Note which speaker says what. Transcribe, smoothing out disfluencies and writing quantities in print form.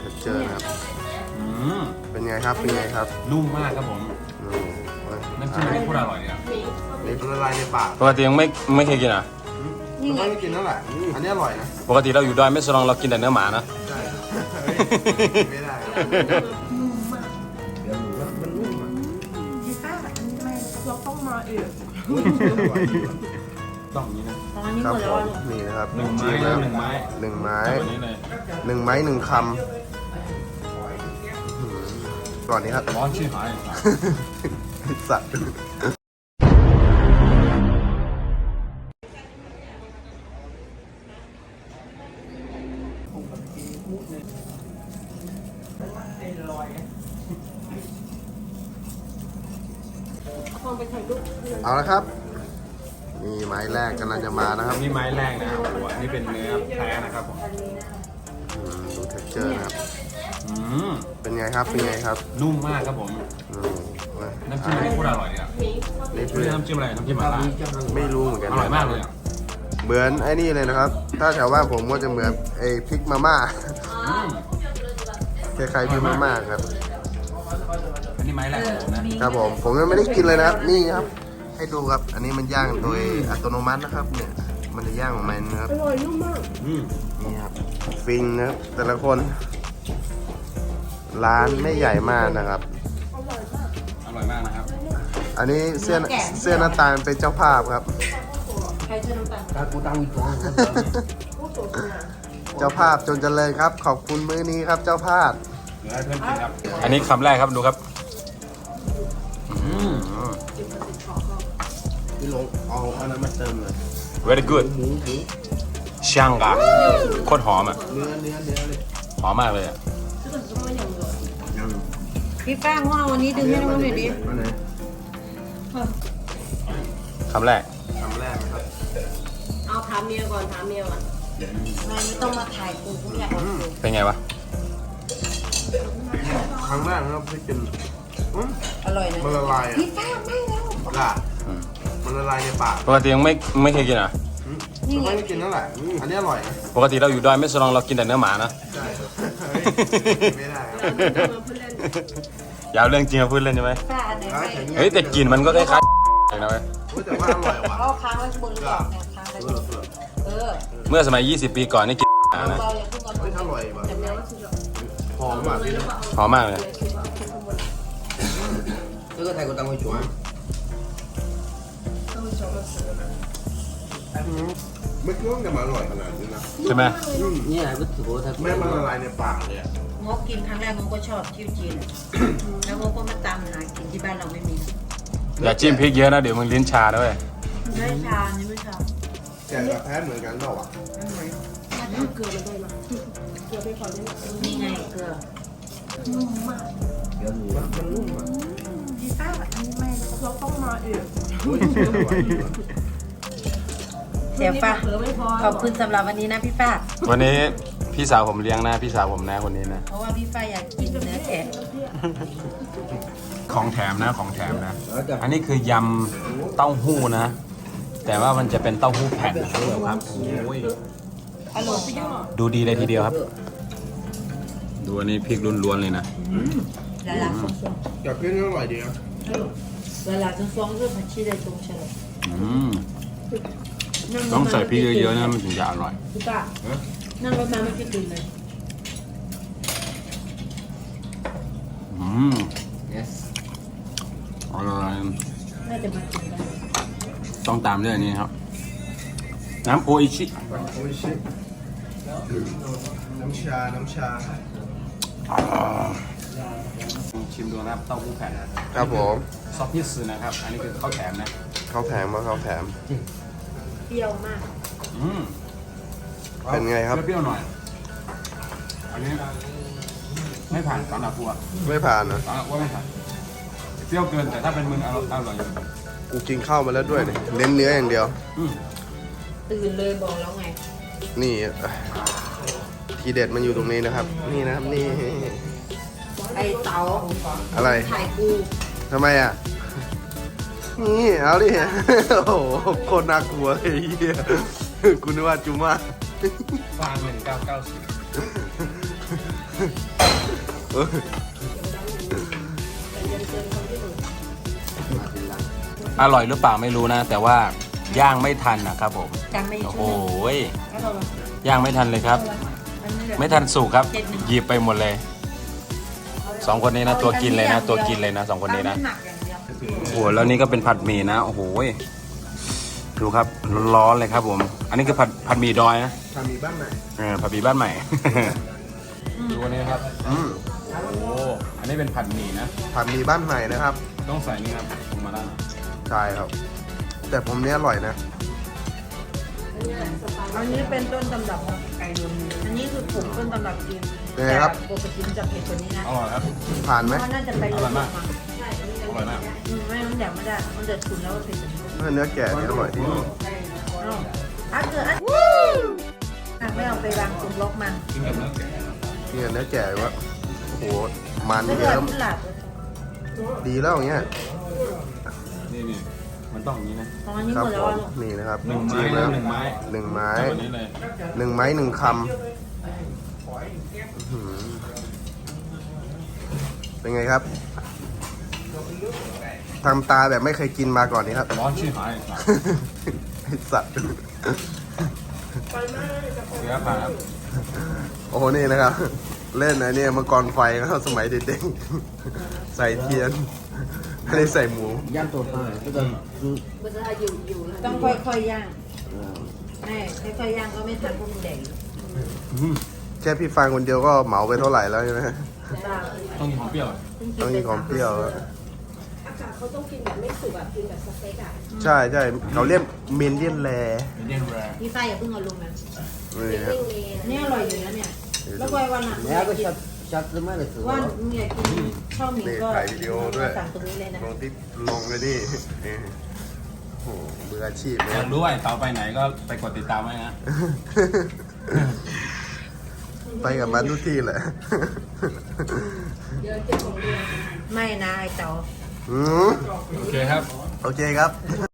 Speaker 1: เจอครับเป็นไงครับเป็นไงครับ
Speaker 2: นุ่มมากครับผม
Speaker 1: อืม
Speaker 2: น้ำจิ้มนี่พูดอร่อยเนี่ย
Speaker 1: นี่ละลายในปาก
Speaker 3: ปกติยังไม่เคยกินอ่ะ
Speaker 1: ไม่ได้กินนั่นแหละอันนี้อร่อยนะ
Speaker 3: ปกติเราอยู่ดอยไม่สลองเรากินแต่เนื้อหมานะ
Speaker 1: ใช่ไม่ได้ครับเดี๋ยวหมูมันนุ่มอ่ะ
Speaker 4: พี่ป้าอันนี้ไม่เราต้องมาเอง
Speaker 2: ต้องอย่างนี้นะ
Speaker 4: ตอนนี้
Speaker 1: ค
Speaker 4: ห
Speaker 1: รั
Speaker 4: ม
Speaker 1: บ
Speaker 4: ด
Speaker 1: ผ
Speaker 4: แล้ว
Speaker 1: มนี่นะครับ
Speaker 2: หนึ่งไม้
Speaker 1: จิ้ม
Speaker 2: หนึ่งไม้
Speaker 1: หนึ่งไม้
Speaker 2: แบบนี้เลย
Speaker 1: หนึ่งไม้หนึ่งคำก่อนนี้ครับ
Speaker 2: ร้อนชื่อหาย
Speaker 1: สัตว์เอาละครับนี่ไม้แรกกำลังจะมานะครับ
Speaker 2: นี่ไม้แรกนะครับโอ้โหอันนี้เป็นเนื้อแท้นะครับผม
Speaker 1: ดูเท็กเจอร์นะครับ
Speaker 2: อืม
Speaker 1: เป็นไงครับเป็นไงครับ
Speaker 2: นุ่มมากครับผม
Speaker 1: อืม
Speaker 2: น้ำจิ้มนี่พูดอร่อยเนี่ย
Speaker 1: นี่
Speaker 2: ไม่ใช่น้ำจิ้มอะไรน้ำจิ้มหม่าล่า
Speaker 1: ไม่รู้เหมือนกัน
Speaker 2: อร่อยมากเลยอ่ะ
Speaker 1: เหมือนไอ้นี่เลยนะครับ ถ้าแถวบ้านผมก็จะเหมือนไอ้พริกมาม่า
Speaker 2: อืม
Speaker 1: คล้ายๆพริกมาม่าครับ
Speaker 2: อันนี้ไม้แรกของผมนะครับ
Speaker 1: ผมยังไม่ได้กินเลยนะครับ นี่ครับ ให้ดูครับ อันนี้มันย่างโดยอัตโนมัตินะครับ เนี่ย มันจะย่างของมันนะครับ
Speaker 4: อร่อยนุ่มมาก
Speaker 2: อืม
Speaker 1: นี่ครับ ฟิงนะครับ แต่ละคน ร้านไม่ใหญ่มากนะครับ
Speaker 2: อร่อยมากนะครับ
Speaker 1: อันนี้เสื้อน้ำตาลเป็นเจ้าภาพครับ
Speaker 4: ใครจะน้ำตาล
Speaker 1: เจ้าภาพจนเจริญครับ ขอบคุณมื้อนี้ครับ เจ้าภาพ
Speaker 2: เดี๋ยวให้เพื่อนกินครับ
Speaker 3: อันนี้คำแรกครับดูครับ
Speaker 1: พี่ลงเอาอันนั้นมาเติมเลย
Speaker 3: very good
Speaker 1: หมู
Speaker 3: ช่างกะโคตรหอมอ่ะ
Speaker 1: เนื้อเลย
Speaker 3: หอมมากเลยอ่ะ
Speaker 4: พี่ป้าว่าวันนี้ดึงให้น้องหน่อยดิ
Speaker 1: อันไหน
Speaker 3: คำแรก
Speaker 1: คำแรกนะครับ
Speaker 4: เอาถามเมียก่อนไม่ต้องมาถ่ายกูกูอยากเอากู
Speaker 3: เป็นไงวะ
Speaker 1: ครั้งแรกนะครับที่กิน
Speaker 4: อร่อยนะ
Speaker 1: มันละลายอ่ะ
Speaker 4: พี่ป้าไม่แล้ว
Speaker 1: ล่ะมันละลายในปาก
Speaker 3: ปกติยังไม่เคยกินอ่ะ
Speaker 1: ไม่ได้กินนั่นแหละอันนี้อร่อยนะ
Speaker 3: ปกติเราอยู่ดอยไม่สลองเรากินแต่เนื้อหมานะ
Speaker 1: ใช่ไม่ได้ครับ
Speaker 3: อย่าเอาเรื่องจริงมาพูดเล่นใช่ไหม
Speaker 4: ป้าอันไหนไม่
Speaker 3: เฮ้ยแต่กลิ่นมันก็คล้ายๆนะเว้ย
Speaker 1: แต่ว่าอร่อยว่ะ
Speaker 4: เอาค้างไว้บนหลอดเนี่ยค้างไว้บน
Speaker 3: เมื่อสมัย 20 ปีก่อนนี่กินนะ
Speaker 4: เราอย่าเพิ่งเอา
Speaker 1: ไม่อร่อยว่ะ
Speaker 4: แต่ไม่
Speaker 1: หอมอ่ะ
Speaker 3: หอมมากเลย
Speaker 5: 这个泰国当归酒啊，
Speaker 1: ไม่คิดว่าจะมาอร่อยขนาดนี้นะ
Speaker 3: ใช่ไหม
Speaker 5: 你还不吃过泰国
Speaker 1: แม่มันละลายในปากเลย
Speaker 4: งกกินครั้งแรกงกก็ชอบจิ้วจีนแล้วงกก็มาตามหากินที่บ้านเราไม่มี
Speaker 3: อย่าจิ้มพริกเยอะนะเดี๋ยวมึงลิ้นชาด้วย
Speaker 4: ไม่ชานี่ไม่ชา
Speaker 1: แกกับแพทเหมือนกันเปล่าอ่ะ
Speaker 4: ไม่เหมือนเกลือมันได้ไหมเกลือไปก่อนนี่ไงเกลือนุ่มมาก
Speaker 1: มันนุ่มอ่ะ
Speaker 4: พี่ป้าอันนี้ไม่เราต้องมาเอง เสียป้าขอบคุณสำหรับวันนี้นะพี่ป้า
Speaker 3: วันนี้พี่สาวผมเลี้ยงนะพี่สาวผมนะคนนี้นะ
Speaker 4: เพราะว่าพี่ป้าอยากกินเนื้อแกะ
Speaker 3: ของแถมนะของแถมนะ อันนี้คือยำเต้าหู้นะ แต่ว่ามันจะเป็นเต้าหู้แผ่นนะครับโอ้ย
Speaker 4: อร่อยพี่ย่อ
Speaker 3: ดูดีเลยทีเดียวครับ ดูอันนี้พริกล้วนๆเลยนะ
Speaker 4: ละลาฟอง
Speaker 1: อยากกินอร่อยดีนะ
Speaker 4: ละลาฟองเรื่องผัดชีได้ตรงเฉลย
Speaker 3: อืมต้องใส่พริกเยอะๆนะมันถึงจะอร่อย
Speaker 4: พี่ป้านั่งรถมาไม่คิดดูเลย
Speaker 3: อืม
Speaker 5: yes，
Speaker 3: อร่อย
Speaker 4: น่าจะมากินได้
Speaker 3: ต้องตามด้วยอันนี้ครับ น้ำโออิชิ
Speaker 1: โอ้ยชิน้ำชา
Speaker 3: ชิมดูนะครับเต้าหู้แผ่น
Speaker 1: ครับผม
Speaker 3: ซอสพิซซ์นะครับ อันนี้คือข้าวแถมนะ
Speaker 1: ข้าวแผงมาข้าวแผง
Speaker 4: เปรี้ยวมาก
Speaker 3: อืม
Speaker 1: เป็นไงครับ
Speaker 3: เปรี้ยวๆหน่อย อันนี้ไม่ผ่านสำหรับกูอะ
Speaker 1: ไม่ผ่านนะ
Speaker 3: สำหรับกูไม่ผ่านเปรี้ยวเกินแต่ถ้าเป็นมึงอร่อยอยู่
Speaker 1: กูกินข้าวมาแล้วด้วยเนี่ยเน้นเนื้ออย่างเดียว
Speaker 3: อืม
Speaker 4: ตื่นเลยบอกแล้วไง
Speaker 1: นี่ทีเด็ดมันอยู่ตรงนี้นะครับ นี่นะครับนี่
Speaker 4: ไอเต๋า
Speaker 1: อะไร
Speaker 4: ถ่ายกู
Speaker 1: ทำไมอ่ะ นี่เอาดิ โอ้โหโคตรน่ากลัวเลยไอ้เหี้ยกูนึกว่าจุม่า
Speaker 3: ฟาง1990 อร่อยหรือเปล่าไม่รู้นะ แต่ว่าย่างไม่ทันนะครับผม
Speaker 4: จังไม่
Speaker 3: โอ้โห
Speaker 4: ช่วย
Speaker 3: ย
Speaker 4: แล้วเรา
Speaker 3: ย่างไม่ทันเลยครับ ไม่ทันสุกครับ หยิบไปหมดเลยสองคนนี้นะตัวกินเลยนะ ตัวกินเลยนะสองคนนี้นะ
Speaker 4: หนักอย่างเดียว
Speaker 3: โอ้โหแล้วนี่ก็เป็นผัดหมี่นะโอ้โหยดูครับร้อนเลยครับผม อันนี้คือผัดหมี่ดอยนะ
Speaker 1: ทำมีบ้านไหน
Speaker 3: ผัดหมี่บ้านใหม่ ดูอันนี้ครับโอ้โหอันนี้เป็นผัดหมี่นะ
Speaker 1: ผัดมีบ้านไหนนะครับ
Speaker 3: ต้องใส่นี่ครับลงมาด้าน
Speaker 1: ใช่ครับ แต่ผมเนี้ยอร่อยนะ
Speaker 4: อันนี้เป็นต้นตำรับของไก่ดนอันนี้คือผงต้นตำรับจีน
Speaker 1: เป็นไงครับ
Speaker 4: แต่ปกติมันจะเผ็ดกว่านี้นะ
Speaker 3: อร่อยครับ
Speaker 1: ผ่านไหม
Speaker 4: เพราะน่าจะไป
Speaker 3: อร่อยมาก
Speaker 4: ใช่อันนี้
Speaker 3: อร่อยมาก
Speaker 4: ไม่มันแดกไม่ได้ มันจะฉุนแล้วมันเผ็ดกว่านี้
Speaker 1: เนื้อแก่เนี่ยอร่อยดี
Speaker 4: อันเกิดอันไม่เอาไปวางตรงบล็อกมัน
Speaker 3: กินกับเนื้อแกะ
Speaker 1: เนี่ยเนื้อแก่วะโอ้โห มัน
Speaker 4: ไม่
Speaker 1: เย
Speaker 4: เกิด
Speaker 1: อะ
Speaker 4: ขึ้นหลับ
Speaker 1: ดีแล้วอย่างเงี้ย
Speaker 3: นี่มันต้องอย่างนี้นะ
Speaker 4: ตอนนี้
Speaker 1: ครั
Speaker 4: หมด
Speaker 1: ผ
Speaker 4: แล้ว
Speaker 1: ม
Speaker 4: ลูก
Speaker 1: นี่นะครับ
Speaker 3: หนึ่งไม้
Speaker 1: จิ้ม
Speaker 3: นะ
Speaker 1: แล้ว
Speaker 3: หนึ่งไม้
Speaker 1: หนึ่งไม้
Speaker 3: แบบนี้เลย
Speaker 1: หนึ่งไม้หนึ่งคำอื้อหือเป็นไงครับทำตาแบบไม่เคยกินมาก่อนนี้ครับ
Speaker 3: ร้อนชิบหาย
Speaker 1: ไอสัตว์
Speaker 3: เสียผ่านครับ
Speaker 1: โอ้โหนี่นะครับ เล่นไอ้เนี่ยมังกรไฟครับสมัยเด็กๆใส่เทียนไม่ได้ใส่หมู
Speaker 5: ย่างตัวผ้าก็จะ
Speaker 4: ต้องค่อยๆย่างแม่ค่อยๆย่างก็ไม่ทันพวกมึงแดก
Speaker 1: แค่พี่ฟังคนเดียวก็เหมาไปเท่าไหร่แล้วใช่ไหม
Speaker 3: ต้องกินของเปรี้ยวอะ
Speaker 1: ต้องกินของเปรี้ยวแล้ว
Speaker 6: เขาต้องกินแบบไม่สุกแบบกินแบบสเต็กอ่ะ
Speaker 1: ใช่ใช่เขาเรียกเมนเดียนแร
Speaker 3: เป็นเย็นแรง
Speaker 4: พี่ไฟอย่าเพิ่งเอาลงนะ
Speaker 1: นี่ครับ
Speaker 4: นี่อร่อยอยู่แล้วเนี่ย แล้วก็วันหลัง
Speaker 5: แล้วก็ชัดชัดมากเลยคือ
Speaker 4: ว่ามึงอยากกินข้าวหมี่
Speaker 1: นี่
Speaker 4: ก็
Speaker 1: ถ่ายวิดีโอด้วย
Speaker 4: สั่งตรงนี้เลยนะ
Speaker 1: ลงที่ลงเลยนี่นี่โอ้โหมืออาชีพเลย
Speaker 3: อยากรู้ว่าไอ้เตาไปไหนก็ไปกดติดตามไว้นะ
Speaker 1: ไปกับมันทุกที่แหละ
Speaker 4: ไม่นะไอ้เต๋อ
Speaker 1: อืม
Speaker 3: โอเคครับ
Speaker 1: โอเคครับ